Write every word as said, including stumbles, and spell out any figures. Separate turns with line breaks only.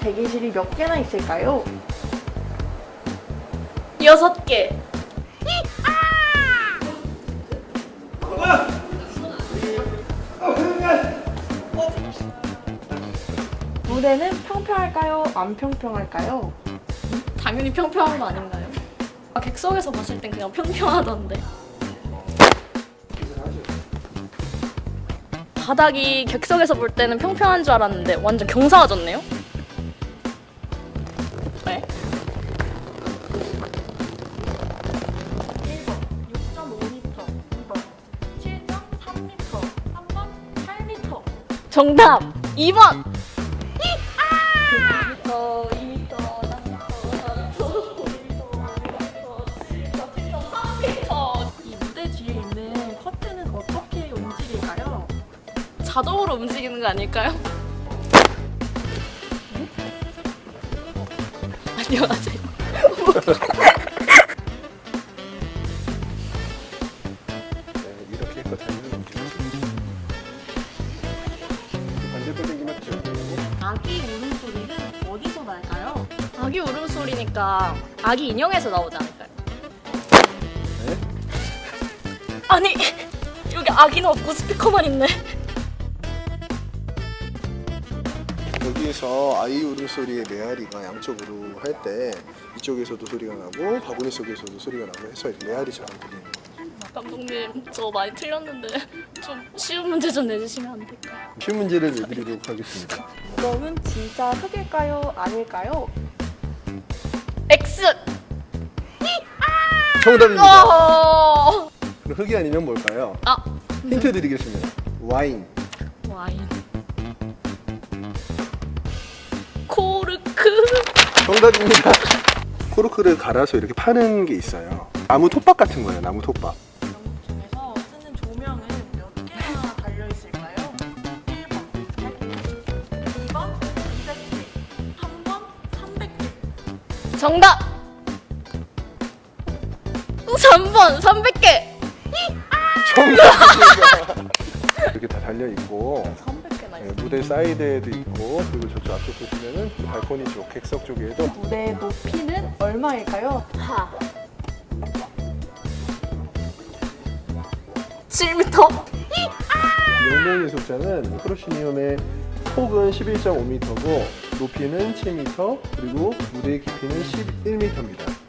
대기실이 몇 개나 있을까요?
여섯 개.
무대는 평평할까요? 안 평평할까요?
당연히 평평한 거 아닌가요? 아, 객석에서 봤을 땐 그냥 평평하던데. 바닥이 객석에서 볼 때는 평평한 줄 알았는데 완전 경사가졌네요? 네?
일 번 육 점 오 미터, 이 번 칠 점 삼 미터, 삼 번 팔 미터.
정답! 이 번!
이 미터, 이 미터, 삼 미터, 사 미터, 오 미터, 오 미터, 칠 점 삼 미터. 이 무대 뒤에 있는 커튼은 어떻게 움직일까요?
자동으로 움직이는 거 아닐까요? 안녕하세요.
네, 이렇게 해서 달리는 움직이죠. 반대로 당기면
아기 울음소리는 어디서 날까요?
아기 울음소리니까 아기 인형에서 나오지 않을까요?
네?
아니 여기 아기는 없고 스피커만 있네.
여기에서 아이 울음소리의 메아리가 양쪽으로 할 때 이쪽에서도 소리가 나고 바구니 속에서도 소리가 나고 해서 메아리처럼 들리는 거예요.
감독님 저 많이 틀렸는데 좀 쉬운 문제 좀 내주시면 안 될까요?
쉬운 문제를 내드리도록 하겠습니다.
그러면 진짜 흙일까요? 아닐까요?
X!
정답입니다.
어...
그럼 흙이 아니면 뭘까요?
아
힌트 드리겠습니다. 와인.
와인 코르크
정답입니다. 코르크를 갈아서 이렇게 파는 게 있어요. 나무 톱밥 같은 거예요. 나무 톱밥.
영국 중에서 쓰는 조명은 몇 개나 달려있을까요? 일 번 백 개, 이 번 이백 개, 삼 번 삼백 개.
정답! 삼 번 삼백 개!
정답입니다. 이렇게 다 달려 있고
삼백 개나
네,
있어.
무대 사이드에도 있고 그리고 저쪽 앞쪽 보시면은 그 발코니 쪽 객석 쪽에도
무대 높이는 얼마일까요?
하. 칠 미터.
용맹 예술자는 프로시니움의 폭은 십일 점 오 미터고 높이는 칠 미터 그리고 무대의 깊이는 십일 미터입니다.